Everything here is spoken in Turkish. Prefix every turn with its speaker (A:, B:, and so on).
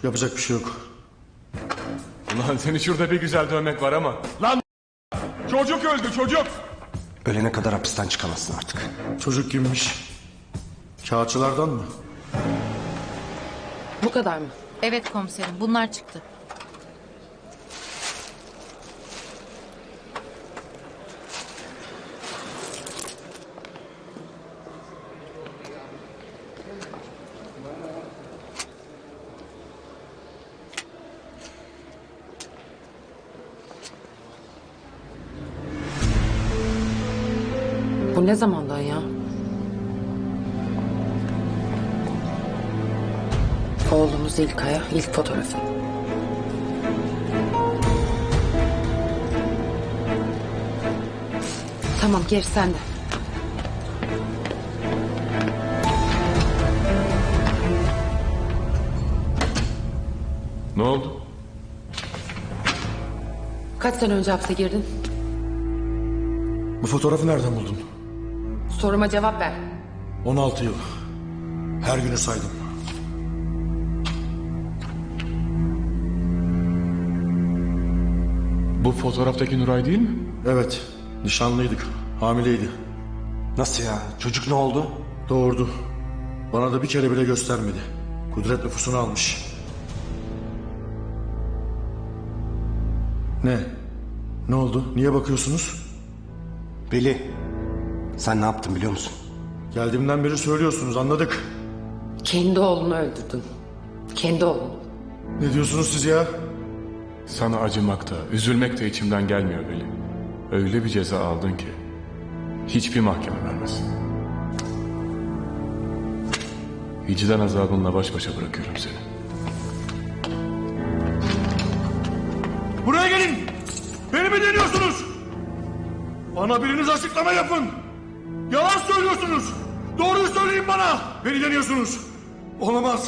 A: Yapacak bir şey yok.
B: Ulan seni şurada bir güzel dövmek var ama. Lan çocuk öldü çocuk.
C: Ölene kadar hapisten çıkamazsın artık.
A: Çocuk kimmiş? Kağıtçılardan mı?
D: Bu kadar mı?
E: Evet komiserim, bunlar çıktı.
D: Bu ne zamandan ya? Oğlumuz İlkay'a ilk fotoğrafı. Tamam, geri sende.
B: Ne oldu?
D: Kaç sene önce hapse girdin?
A: Bu fotoğrafı nereden buldun?
D: Soruma cevap ver.
A: 16 yıl. Her günü saydım.
B: Bu fotoğraftaki Nuray değil mi?
A: Evet, nişanlıydık. Hamileydi.
C: Nasıl ya? Çocuk ne oldu?
A: Doğurdu. Bana da bir kere bile göstermedi. Kudret nüfusunu almış. Ne? Ne oldu? Niye bakıyorsunuz?
C: Veli, sen ne yaptın biliyor musun?
A: Geldiğimden beri söylüyorsunuz, anladık.
D: Kendi oğlunu öldürdün. Kendi oğlunu.
A: Ne diyorsunuz siz ya?
B: Sana acımak da, üzülmek de içimden gelmiyor Veli. Öyle bir ceza aldın ki hiçbir mahkeme vermez. Vicdan azabınla baş başa bırakıyorum seni.
A: Buraya gelin! Beni mi deniyorsunuz? Bana biriniz açıklama yapın! Yalan söylüyorsunuz! Doğruyu söyleyin bana! Beni deniyorsunuz! Olamaz!